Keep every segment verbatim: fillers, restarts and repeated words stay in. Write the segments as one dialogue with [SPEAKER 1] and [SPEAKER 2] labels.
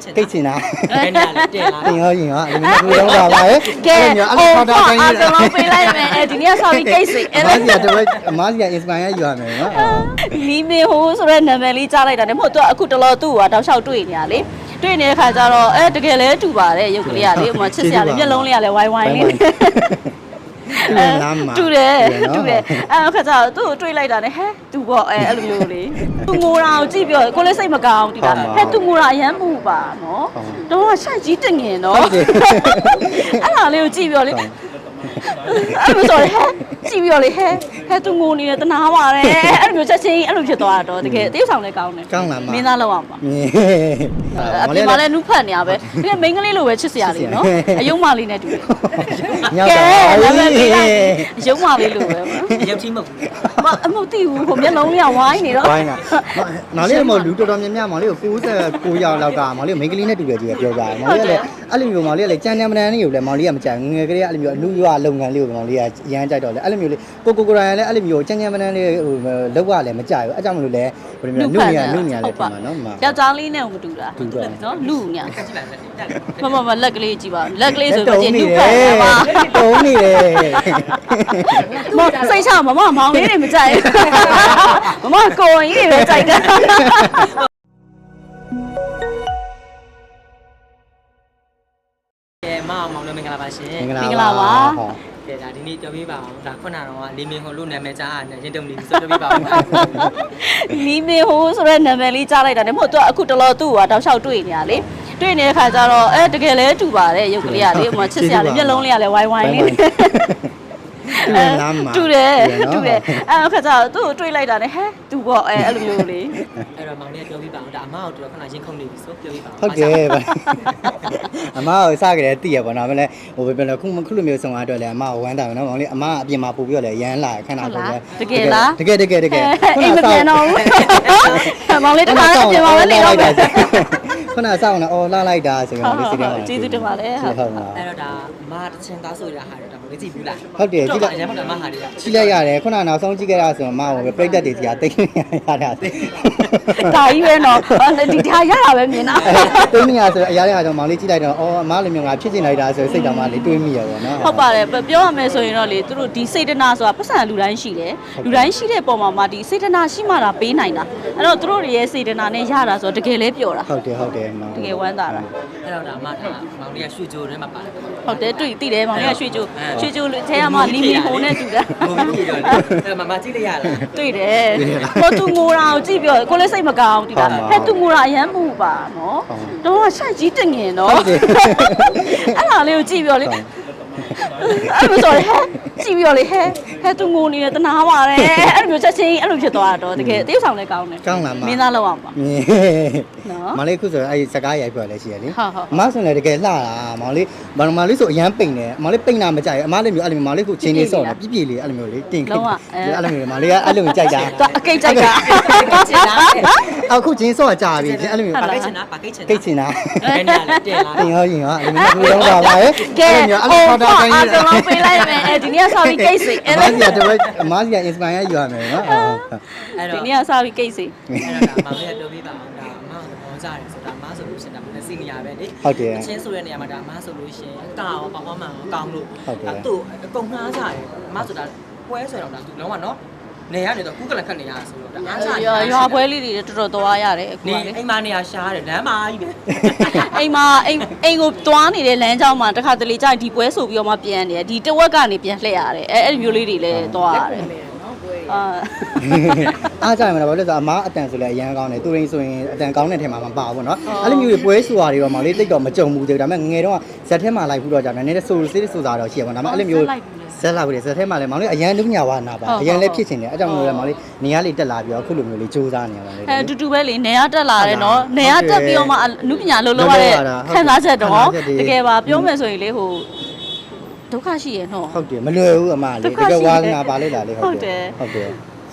[SPEAKER 1] ကိတ်ချင်တာ
[SPEAKER 2] အဲ့နေရာလေးတင်လာ
[SPEAKER 1] တင်ရောရင်ရောအဲ့လိုမျိုးတော့ပါပဲ
[SPEAKER 3] ကဲအော်အားလုံးပေးလိုက်မယ်အဲဒီနေ့ဆော်ပြီးကိတ်စိအဲ့
[SPEAKER 1] အမားစီကတော့အမားစီက inspire ယူရမယ်နော်
[SPEAKER 3] လီမီဟိုဆိုတဲ့နာမည်လေးကြားလိုက်တာနဲ့မဟုတ်တော့အခုတလောသူ့ဟာတောက်လျှောက်တွေ့နေရလေတွေ့နေတဲ့ခါကျတော့အဲတကယ်လဲတူပါတယ်ရုပ်ကလေးကလေဟိုမှာချစ်စရာလေးမျက်လုံးလေးကလည်းဝိုင်းဝိုင်းလေးတူတယ်တူတယ်အဲ့ခါကျတော့သူ့ကိုတွေးလိုက်တာနဲ့ဟဲ့သူပေါ့အဲအဲ့လိုမျိုးလေသူငိုတာကိုကြည့်ပြောကိုလည်းစိတ်မကောင်းဒီလားဟဲ့သူငိုတာအရန်ပူပါနော်တော့ရှိုက်ကြီးတငင်နော်အဲ့ဒါလေးကိုကြည့်ပြောလေအဲ့လိုဆိုဟဲ့ကြည့်ပြောလေဟဲ့ဟဲ့သူငိုနေတယ်တနာပါတယ်အဲ့လိုမျိုးချက်ချင်းအဲ့လိုဖြစ်သွားတာတော့တကယ်တရုပ်ဆောင်လည်းကောင်းတယ်
[SPEAKER 1] ကောင်းလားမ
[SPEAKER 3] မင်းသားလောက်အောင်ပါ
[SPEAKER 1] မင်း
[SPEAKER 3] အပြင်မှာလည်းနုဖတ်နေရပဲဒီမိန်းကလေးလိုပဲချစ်စရာလေးနော်အယုံမလေးနဲ့တူတယ်
[SPEAKER 1] ညောက်
[SPEAKER 3] ကဲ
[SPEAKER 1] တာ
[SPEAKER 3] နာမည်ပေးလိုက်အယုံမလေးလိုပဲ
[SPEAKER 2] ရုပ်ချင်းမဟုတ်ဘူး
[SPEAKER 3] မအမသိဘူးဟိုမျက်လုံးလေးကဝိုင်းနေတော့
[SPEAKER 1] ဝိုင်းတာမောင်လေးကလူတော်တော်များများမောင်လေးကို၉၉ယောက်လောက်ကမောင်လေးကိုမိန်းကလေးနဲ့တူတယ်ကြီးပြောကြတယ်မောင်လေးကလည်းအဲ့လိုမျိုးမောင်လေးကလည်းကြမ်းကြမ်းမတန်းလေးကိုလည်းမောင်လေးကမကြိုက်ငငယ်ကလေးကအဲ့လိုမျိုးအလူရွာလုပ်ငန်းလေးကိုမောင်လေးကအရန်ကြိုက်တော့လေအဲ့လိုမျိုးလေးကိုကိုကိုရိုင်းလည်းအဲ့လိုမျိုးကြမ်းကြမ်းမတန်းလေးဟိုလောက်ကလည်းမကြိုက်ဘူးအဲ့ကြောင့်မလို့လည်းဘယ်လိုမျိုးလူညာလူညာလေးဖြစ်မှာနော်မ
[SPEAKER 3] ယောက်ျားလေးနဲ့မတူတာ
[SPEAKER 1] တူတယ်
[SPEAKER 3] နော်လူညာ
[SPEAKER 2] ကြည့်လိုက်လက်တက်
[SPEAKER 3] မမမလက်ကလေးကြည့်ပါလက်ကလေးဆိုတော့ကျနုဖတ်ပါ
[SPEAKER 1] တုံးနေတယ်
[SPEAKER 3] မစိတ်ချမမမောင်လေးတွေမကြိုက်မမကိုရင်ကြီးတွေပဲကြိုက်တာ
[SPEAKER 2] ကဲမအောင်မောင်လည်းမင်္ဂလာပါရှင်
[SPEAKER 1] မင်္ဂလာပါ
[SPEAKER 2] ကဲဒါဒီနေ့ပြောပြပါအောင်ဒါခုနကတော့လီမင်ဟိုလို့နာမည်ကြားရတယ်ရင်တုံလေးဆိုပြောပြပါအောင်
[SPEAKER 3] လီမီဟိုဆိုတဲ့နာမည်လေးကြားလိုက်တာနဲ့မဟုတ်တော့အခုတလောသူ့ဟာတောက်လျှောက်တွေ့နေရလေတွေ့နေတဲ့ခါကျတော့အဲတကယ်လဲတူပါတယ်ရုပ်ကလေးကလေဟိုမှာချစ်စရာလေးမျက်လုံးလေးကလည်းဝိုင်းဝိုင်းလေးတူတယ်တူတယ်အဲ့ခါကျတော့သူ့ကိုတွေးလိုက်တာနဲ့ဟဲ့သူပေါ့အဲအဲ့လိုမျိုးလေ
[SPEAKER 2] အဲ့တော့မောင်လေးပြောပြပါအောင်ဒါအမကိုတော့ခုနရင်ခုန်နေပြီဆိုပြောပြပါအောင်
[SPEAKER 1] ဟုတ်ကဲ့ပါအမကိုစကြတယ်တည်ရပါတော့မလဲဟိုဘယ်လိုခုခုလိုမျိုးဆောင်အတွက်လဲအမကိုဝမ်းတာပဲနော်မောင်လေးအမအပြင်မှာပို့ပြီးတော့လဲရမ်းလာခဏတော့လဲ
[SPEAKER 3] တကယ်လား
[SPEAKER 1] တကယ်တကယ်တကယ်
[SPEAKER 3] အိမ်မပြန်တော့ဘူးမောင်လေးတခါအပြင်မှာပဲနေတော့ပဲ
[SPEAKER 1] ခုနစောင်းနေအော်လာလိုက်တာဆိုရင်လေးစီတယ်ပါ
[SPEAKER 3] ကျေးဇူးတင်ပါတယ်
[SPEAKER 1] ဟုတ်ပါ
[SPEAKER 2] အဲ့တော့ဒါအမတချင်သားဆိုရဟာတော့ဒါမလေးကြည့်ဘူးလား
[SPEAKER 1] ဟုတ်တယ်ကြည့်လိုက်
[SPEAKER 2] အရင်ကမှမဟာတွေက
[SPEAKER 1] ကြည့်လိုက်ရတယ်ခုနနောက်ဆုံးကြည့်ခဲ့တာဆိုတော့အမကိုပဲပြိတ္တတွေစီကတိတ်နေရတာ
[SPEAKER 3] ဒါကြီးပဲနော်ဒီဒါရတာပဲမြင်တာ
[SPEAKER 1] တိတ်နေရဆိုတော့အရာတွေကတော့မောင်လေးကြည့်လိုက်တော့အော်အမလိုမျိုးငါဖြစ်ချင်လိုက်တာဆိုစိတ်တော်မှလေးတွေးမိရပါတော့
[SPEAKER 3] ဟုတ်ပါတယ်ပြောရမယ်ဆိုရင်တော့လေသူတို့ဒီစေတနာဆိုတာပတ်စံလူတိုင်းရှိတယ်လူတိုင်းရှိတဲ့ပုံမှာမှဒီစေတနာရှိမှသာပေးနိုင်တာအဲ့တော့သူတို့ရဲ့စေတနာနဲ့ရတာဆိုတော့တကယ်လဲပြောတာ
[SPEAKER 1] ဟုတ်တယ်ဟုတ်တယ်မောင်
[SPEAKER 3] တကယ်ဝမ်းသာတာ
[SPEAKER 2] အဲ့တော့ဒါအမထားမောင်လေးကရွှေကြိုထဲမှာပါတယ်
[SPEAKER 3] ဟုတ်တယ်တွေ့သိတယ်မောင်လေးကရွှေချိုရွှေချိုထဲမှာလီမီဟိုနဲ့တူတာ
[SPEAKER 2] ဘုံကြီးတော့အဲ့မမကြည့်လိုက်ရလား
[SPEAKER 3] တွေ့တယ်ဟိုသူငိုတာကိုကြည့်ပြောကိုလည်းစိတ်မကောင်းဒီလားဟဲ့သူငိုတာအရန်ပူပါနော်တော့ရှိုက်ကြီးတငင်နော်အဲ့ဒါလေးကိုကြည့်ပြောလေအဲ့လိုဆိုဟဲ့ကြည့်ပြောလေဟဲ့ဟဲ့သူငိုနေတယ်တနာပါတယ်အဲ့လိုမျိုးချက်ချင်းအဲ့လိုဖြစ်သွားတာတော့တကယ်တရုပ်ဆောင်လည်းကောင်းတယ်
[SPEAKER 1] ကောင်းလားမ
[SPEAKER 3] မင်းသားလောက်အောင်ပါ
[SPEAKER 1] နော်မောင်လေးခုဆိုအဲ့စကားရိုက်ပြလဲရှိရလေ
[SPEAKER 3] ဟုတ်ဟုတ်
[SPEAKER 1] အမဆိုလည်းတကယ်လှတာမောင်လေးမောင်လေးဆိုအရန်ပိန်တယ်မောင်လေးပိန်တာမကြိုက်အမလေးမျိုးအဲ့လိုမျိုးမောင်လေးခုချင်းလေးစော့တယ်ပြပြလေးအဲ့လိုမျိုးလေးတင်ခင်းအဲ့လိုမျိုးမောင်လေးကအဲ့လိုမျိုးကြိုက်တာ
[SPEAKER 3] တော့အကိတ်ကြိုက်တာ
[SPEAKER 2] ချင်လား
[SPEAKER 1] အခုချင်းစော့ကြပြီအဲ့လိုမျိုး
[SPEAKER 2] ပါကိတ်ချင်လားပါကိတ်ချင်
[SPEAKER 1] ကိတ်ချင်တာ
[SPEAKER 2] အဲ့နေရာလေးတင်လာ
[SPEAKER 1] တင်ရောရင်ရောအဲ့လိုမျိုးတော့ပါပါရဲ့
[SPEAKER 3] ကဲ
[SPEAKER 1] အဲ့လို
[SPEAKER 3] ဟို
[SPEAKER 1] မျိုးအဲ့လို
[SPEAKER 3] အား
[SPEAKER 1] ခေါ်တာတိုင်း
[SPEAKER 3] လုံးပေးလိုက်မယ်အဲဒီနေ့ဆော်ပြီးကိတ်စိ
[SPEAKER 1] အမစီကတော့အမစီက inspire ယူရမယ်နော်
[SPEAKER 2] အဲ့
[SPEAKER 3] ဒီ
[SPEAKER 2] တော့
[SPEAKER 3] နေ့ဆော်ပြီးကိတ်စိ
[SPEAKER 2] အဲ့တော့ဒါမောင်လေးကပြောပြပါအောင်ဒါအမကဘောကြတယ်ဆိုတာအမဆိုလို့ရှိရင်ဒါမစီနေရပဲလေ
[SPEAKER 1] ဟုတ်တယ်
[SPEAKER 2] အချင်းဆိုတဲ့နေရာမှာဒါအမဆိုလို့ရှိရင်ကာရောပေါပေါမှန်ရောကောင်းလို့
[SPEAKER 1] ဟုတ်တယ်
[SPEAKER 2] သူ့အကုန်နှားကြတယ်အမဆိုတာပွဲဆိုတော့ဒါသူလုံးဝနော်နေရနေတော့ကူးကလန်ခတ်နေရဆိုတော့ဒါအားချ
[SPEAKER 3] ရွာရွာပွဲလေးတွေတော်တော်သွားရတယ်အခု
[SPEAKER 2] နေ
[SPEAKER 3] ကလေ
[SPEAKER 2] အိမ်မနေရရှားတယ်လမ်းမကြီးပဲ
[SPEAKER 3] အိမ်မှာအိမ်အိမ်ကိုသွားနေတဲ့လမ်းကြောင်းမှာတခါတလေကြာဒီပွဲဆိုပြီးတော့မှပြန်နေတယ်ဒီတဝက်ကနေပြန်လှည့်ရတယ်အဲအဲ့ဒီမျိုးလေးတွေလည်းသွားရတယ်အာ
[SPEAKER 1] အားကြရမှာဘာလို့လဲဆိုတော့အမားအတန်ဆိုလဲအရန်ကောင်းတယ်သူရင်းဆိုရင်အတန်ကောင်းတဲ့ထဲမှာမပါဘူးเนาะအဲ့လိုမျိုးတွေပွဲဆိုတာတွေတော့မောင်လေးတိတ်တော့မကြုံဘူးသေးဘူးဒါပေမဲ့ငငယ်တော့ဇက်ထဲမှာလိုက်ဘူးတော့ကြာတယ်နည်းနည်းဆိုစစ်ဆိုတာတော့ရှိရပါတော့ဒါပေမဲ့အဲ့လိုမျိုးဇက်လာဘူးလေဇက်ထဲမှာလဲမောင်လေးအရန်လုံးညာဝနာပါအရန်လည်းဖြစ်ချင်တယ်အဲ့ကြောင့်မလို့လဲမောင်လေးနေရာလေးတက်လာပြီးတော့အခုလိုမျိုးလေးစူးစမ်းနေရပါလေ
[SPEAKER 3] အဲအတူတူပဲလေနေရတက်လာတယ်နော်နေရတက်ပြီးတော့မှအနုပညာလုံးလုံးရတဲ့ခံစားချက်တော့တကယ်ပါပြောမယ်ဆိုရင်လေဟိုဒုက္ခရှိရနော်
[SPEAKER 1] ဟုတ်တယ်မလွယ်ဘူးအမလေးတကယ်ဝါနာပါလေလားလေဟုတ်တယ်ဟုတ်တယ်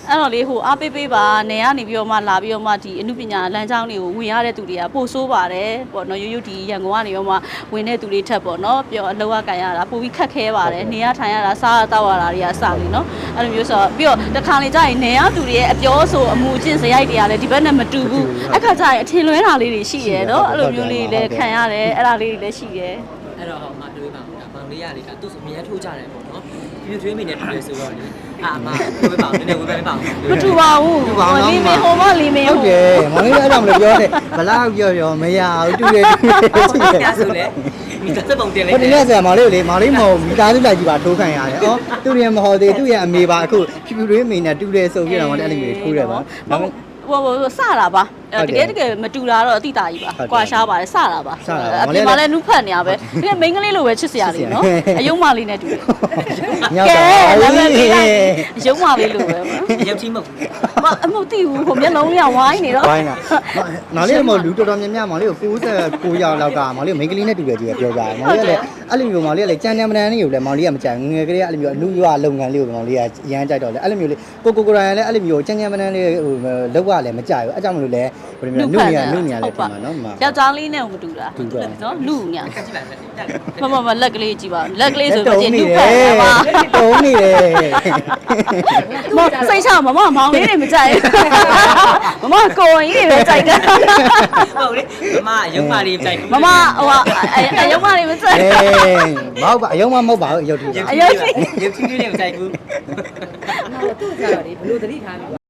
[SPEAKER 3] အဲ့တော့လေဟိုအားပေးပေးပါနေရနေပြီးတော့မှလာပြီးတော့မှဒီအမှုပညာလမ်းကြောင်းတွေကိုဝင်ရတဲ့သူတွေကပို့ဆိုးပါတယ်ပေါ့နော်ရိုးရိုးဒီရန်ကုန်ကနေတော့မှဝင်တဲ့သူတွေထက်ပေါ့နော်ပြောအလောက်အကန်ရတာပိုပြီးခက်ခဲပါတယ်နေရထိုင်ရတာစားရတောက်ရတာတွေကစပြီနော်အဲ့လိုမျိုးဆိုတော့ပြီးတော့တခါလေကြာရင်နေရသူတွေရဲ့အပြောဆိုအမှုအကျင့်စရိုက်တွေကလည်းဒီဘက်နဲ့မတူဘူးအခါကျရင်အထင်လွဲတာလေးတွေရှိရဲနော်အဲ့လိုမျိုးလေးလည်းခံရတယ်အဲ့ဒါလေးတွေလည်းရှိရဲ
[SPEAKER 2] အဲ့တော့ဟောမှာတွေးပါဦးဒါမောင်လေးရလေဒါသူ့အမြဲထိုးကြတယ်ပေါ့နော်ပြထွေးမိနေတူတယ်ဆိုတော့လေအာမဝေးပါဦးနည်းနည်းဝေးပါဦး
[SPEAKER 3] မတူပါဘူးလီမင်ဟိုမလီမင်
[SPEAKER 1] ဟုတ်တယ်မောင်လေးအဲ့ဒါမလို့ပြောတယ်ဘလောက်ပြောပြောမရဘူးတူတယ်တူတယ်တူတယ်
[SPEAKER 2] ပြဆိုလေမိသားစုပုံတင်လေ
[SPEAKER 1] ဟိုဒီနေ့ဆရာမောင်လေးကိုလေမောင်လေးမဟုတ်မိသားစုလိုက်ကြီးပါထိုးခံရတယ်။အော်သူ့ရဲ့မဟုတ်သေးသူ့ရဲ့အမေပါအခုဖြူဖြူလေးမိနဲ့တူတယ်ဆိုပြီးတော့မောင်လေးအဲ့လိုမျိုးထိုးတယ်ပါ။ဒါပေမဲ့
[SPEAKER 3] ဟိုဟိုစတာပါတကယ်တကယ်မတူတာတော့အတိတာကြီးပါကွာရှားပါတယ်စတာပါအပြင်မှာလည်းနုဖတ်နေရပဲဒီမိန်းကလေးလိုပဲချစ်စရာလေးနော်အယုံမလေးနဲ့တူတယ်
[SPEAKER 1] ညောက်ပါ
[SPEAKER 3] နာမည်
[SPEAKER 1] ဘူး
[SPEAKER 3] ပေးလိုက်အယုံမလေးလိုပဲ
[SPEAKER 2] ရုပ်ချင်းမဟုတ်
[SPEAKER 3] မအမသိဘူးဟိုမျက်လုံးလေးကဝိုင်းနေတော့
[SPEAKER 1] ဝိုင်းတာမောင်လေးကမလူတော်တော်များများမောင်လေးကို၉၉ရောက်လောက်ကမောင်လေးမိန်းကလေးနဲ့တူတယ်ကြီးပြောကြတယ်မောင်လေးကလည်းအဲ့လိုမျိုးမောင်လေးကလည်းကြမ်းကြမ်းမတန်းလေးကိုလည်းမောင်လေးကမကြိုက်ငငယ်ကလေးကအဲ့လိုမျိုးအနုရွာလုပ်ငန်းလေးကိုမောင်လေးကရမ်းကြိုက်တော့လေအဲ့လိုမျိုးလေးကိုကိုကိုရိုင်းလည်းအဲ့လိုမျိုးကြမ်းကြမ်းမတန်းလေးဟိုလောက်ကလည်းမကြိုက်ဘူးအဲ့ကြောင့်မလို့လည်းဘယ်လိုမျိုးနုညာနုညာလေးဖြစ်မှာနော်မ
[SPEAKER 3] ယောက်ျားလေးနဲ့မတူတာနော်လူညာ
[SPEAKER 2] ကကြည့်ပါလက်
[SPEAKER 3] မမမလက်ကလေးကြည့်ပါလက်ကလေးဆိုတော့ကျနုဖတ်ပါ
[SPEAKER 1] တုံးနေတယ်
[SPEAKER 3] မစိတ်ချမမမောင်လေးတွေမကြိုက်မမကိုရင်ကြီးတွေပဲကြိုက်တာ
[SPEAKER 2] ဟုတ်လေမမရုပ်မလေးကြိုက်
[SPEAKER 3] မမဟိုအယုံမလေးမကြိုက်
[SPEAKER 1] အေးမဟုတ်ပါအယုံမမဟုတ်ပါဘူးအယုတ်ထူ
[SPEAKER 2] ရုပ်ချင်းလေးရုပ်ချင်းလေးမကြိုက်ဘူး
[SPEAKER 4] အဲ့တော့သူ့ကြတော့လေဘလို့သတိထားပြီး